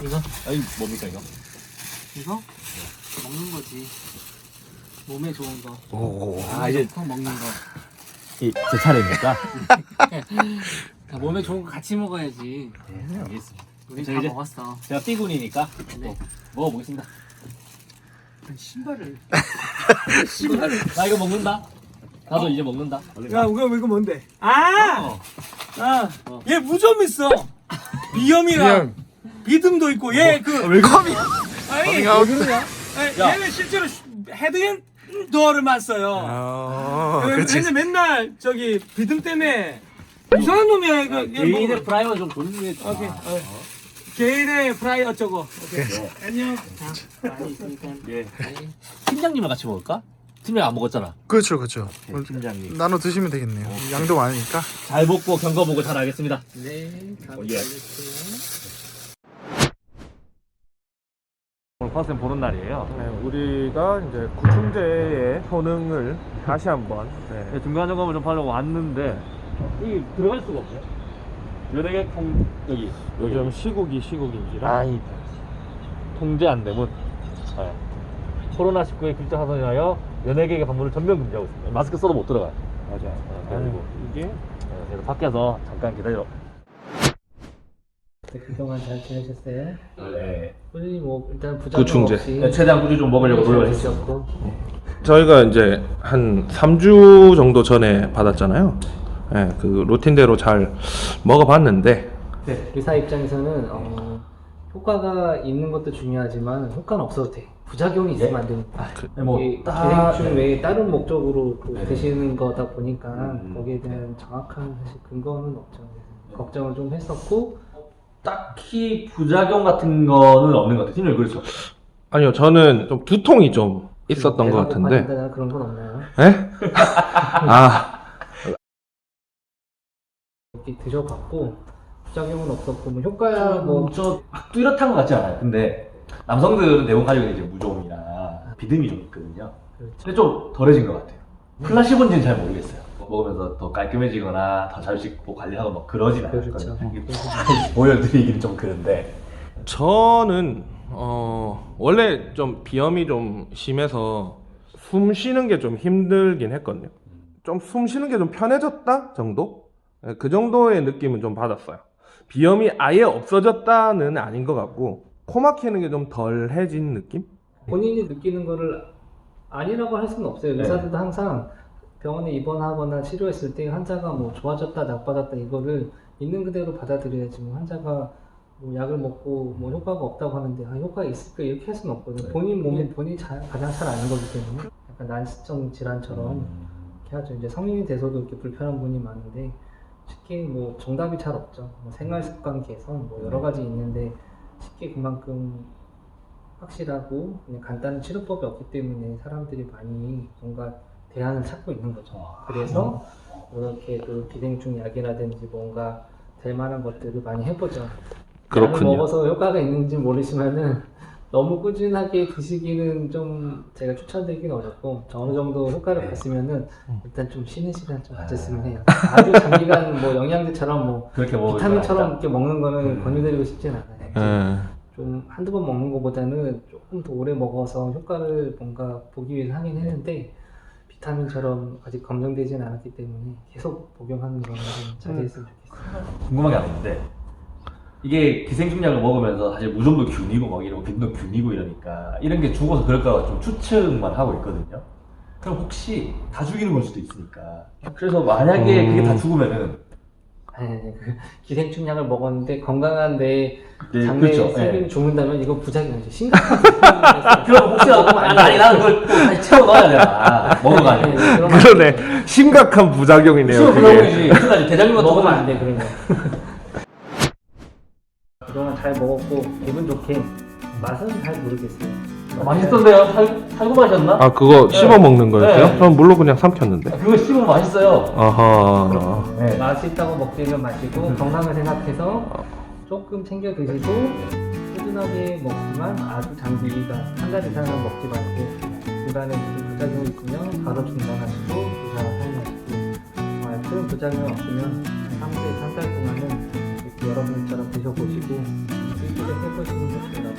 이거? 아니 뭡니까 이거? 이거? 먹는 거지. 몸에 좋은 거. 오, 이제 먹는 거. 제 차례입니까? 몸에 좋은 거 같이 먹어야지. 네, 알겠습니다. 우리 저 다 이제 먹었어. 제가 삐군이니까 네. 먹어보겠습니다. 신발을. 나 이거 먹는다. 나도 이제 먹는다. 야, 이거 뭔데? 아! 얘 무좀 있어. 비염이랑 비듬도 있고, 얘 컴이. 아니, 왜 그러냐? 야. 얘는 실제로 헤드앤더를만 써요. 얘는 맨날 저기 비듬 때문에 이상한 놈이야, 이거. 얘 개인의 뭐, 프라이머 좀 보는 게. 오케이. 개인의 프라이 어쩌고. 오케이. 안녕. 많이 있으니까. 예. 팀장님을 같이 먹을까? 팀장 안 먹었잖아. 그렇죠, 그렇죠. 팀장님. 나눠 드시면 되겠네요. 양도 많으니까. 잘 먹고 경과보고 잘 알겠습니다. 네. 다음 예. 오늘 퍼센 보는 날이에요. 네, 우리가 이제 구충제의 효능을 다시 한번 중간 점검을 좀 하려고 왔는데 이 들어갈 수가 없네. 연예계 여기 요즘 시국인지라 아이 통제 안 되면 코로나19의 길자 하선하여 연예계의 방문을 전면 금지하고 있습니다. 마스크 써도 못 들어가요. 맞아요. 그리고 이게 그래서 밖에서 잠깐 기다려. 그동안 잘 지내셨어요? 네. 꾸준히 뭐 일단 부작용 구충제. 없이 최대한 꾸준히 좀 먹으려고 노력을 했죠. 했었고. 저희가 이제 한 3주 정도 전에 받았잖아요. 네, 그 루틴대로 잘 먹어봤는데 네. 의사 입장에서는 효과가 있는 것도 중요하지만 효과는 없어도 돼. 부작용이 있으면 안 되니까. 뭐 이게 딱- 기생충 외에 다른 목적으로 또 네. 드시는 거다 보니까 거기에 대한 정확한 사실 근거는 없죠. 그래서 걱정을 좀 했었고. 딱히 부작용 같은 거는 없는 것 같아요. 팀장님 그렇죠? 아니요, 저는 좀 두통이 좀 있었던 것 배가 같은데. 고파진다거나 그런 건 없나요? 에? 아, 이렇게 드셔봤고 부작용은 없었고 뭐 효과야 뭐 저 뚜렷한 것 같지 않아요. 근데 남성들은 대부분 가지고 있는 이제 무좀이나 비듬이 좀 있거든요. 그렇죠. 근데 좀 덜해진 것 같아요. 플라시본지는 잘 모르겠어요. 먹으면서 더 깔끔해지거나 더 잘 씻고 관리하고 막 그러진 않아요. 그렇죠. 보여드리기는 좀 그런데. 저는 원래 좀 비염이 좀 심해서 숨 쉬는 게 좀 힘들긴 했거든요. 좀 숨 쉬는 게 좀 편해졌다 정도? 네, 그 정도의 느낌은 좀 받았어요. 비염이 아예 없어졌다는 아닌 것 같고 코 막히는 게 좀 덜해진 느낌? 본인이 느끼는 거를 아니라고 할 수는 없어요. 네. 의사들도 항상 병원에 입원하거나 치료했을 때 환자가 뭐 좋아졌다 나빠졌다 이거를 있는 그대로 받아들여야지 뭐 환자가 뭐 약을 먹고 뭐 효과가 없다고 하는데 효과가 있을까 이렇게 할 수는 없거든요. 네. 본인 몸이 본인이 가장 잘 아는 거기 때문에 약간 난치성 질환처럼 이렇게 하죠. 이제 성인이 돼서도 이렇게 불편한 분이 많은데 쉽게 뭐 정답이 잘 없죠. 뭐 생활 습관 개선 뭐 여러 가지 있는데 쉽게 그만큼 확실하고 그냥 간단한 치료법이 없기 때문에 사람들이 많이 뭔가 대안을 찾고 있는 거죠. 그래서 이렇게 그 기생충 약이라든지 뭔가 될 만한 것들을 많이 해보죠. 그렇군요. 약을 먹어서 효과가 있는지 모르지만은 너무 꾸준하게 드시기는 좀 제가 추천드리기는 어렵고 어느 정도 효과를 봤으면은 일단 좀 쉬는 시간 좀 가졌으면 해요. 아주 장기간 뭐 영양제처럼 뭐 그렇게 먹을 비타민처럼 건 이렇게 먹는 거는 권유드리고 싶진 않아요. 예. 좀 한두 번 먹는 것보다는 조금 더 오래 먹어서 효과를 뭔가 보기 위해서 하긴 했는데 비타민처럼 아직 검증되지는 않았기 때문에 계속 복용하는 거는 좀 자제했으면 좋겠어요. 궁금한 게 하나 있는데 이게 기생충약을 먹으면서 사실 무좀도 균이고 막 이러고 빈도 균이고 이러니까 이런 게 죽어서 그럴까 좀 추측만 하고 있거든요. 그럼 혹시 다 죽이는 걸 수도 있으니까. 그래서 만약에 그게 다 죽으면은 그 기생충 약을 먹었는데 건강한 내 네, 장내 그렇죠. 세균이 네. 죽는다면 이거 부작용이죠. 심각한 부작용이라서. 그럼 혹시 아니 나는 그걸 또 다시 채워 넣어야 되나 먹어가지고. 그러네. 심각한 부작용이네요. 그게. 부작용이지. 그래서 대장님 같은 먹으면 거는 안 돼, 그런 거. 그동안 잘 먹었고 기분 좋게 맛은 잘 모르겠어요. 맛있던데요? 살구 마셨나? 아, 그거 네. 씹어 먹는 거였어요? 네. 저는 물로 그냥 삼켰는데. 그거 씹으면 맛있어요. 아하. 네. 맛있다고 먹기는 마시고 건강을 생각해서 조금 챙겨 드시고 꾸준하게 먹지만 아주 장기간 한 달 이상은 먹지 말고 중간에 무슨 부작용이 있으면 바로 중단하시고 의사 사용하시고 큰 부작용 없으면 한 3달 동안은 이렇게 여러분처럼 드셔보시고 기대해보시는 것도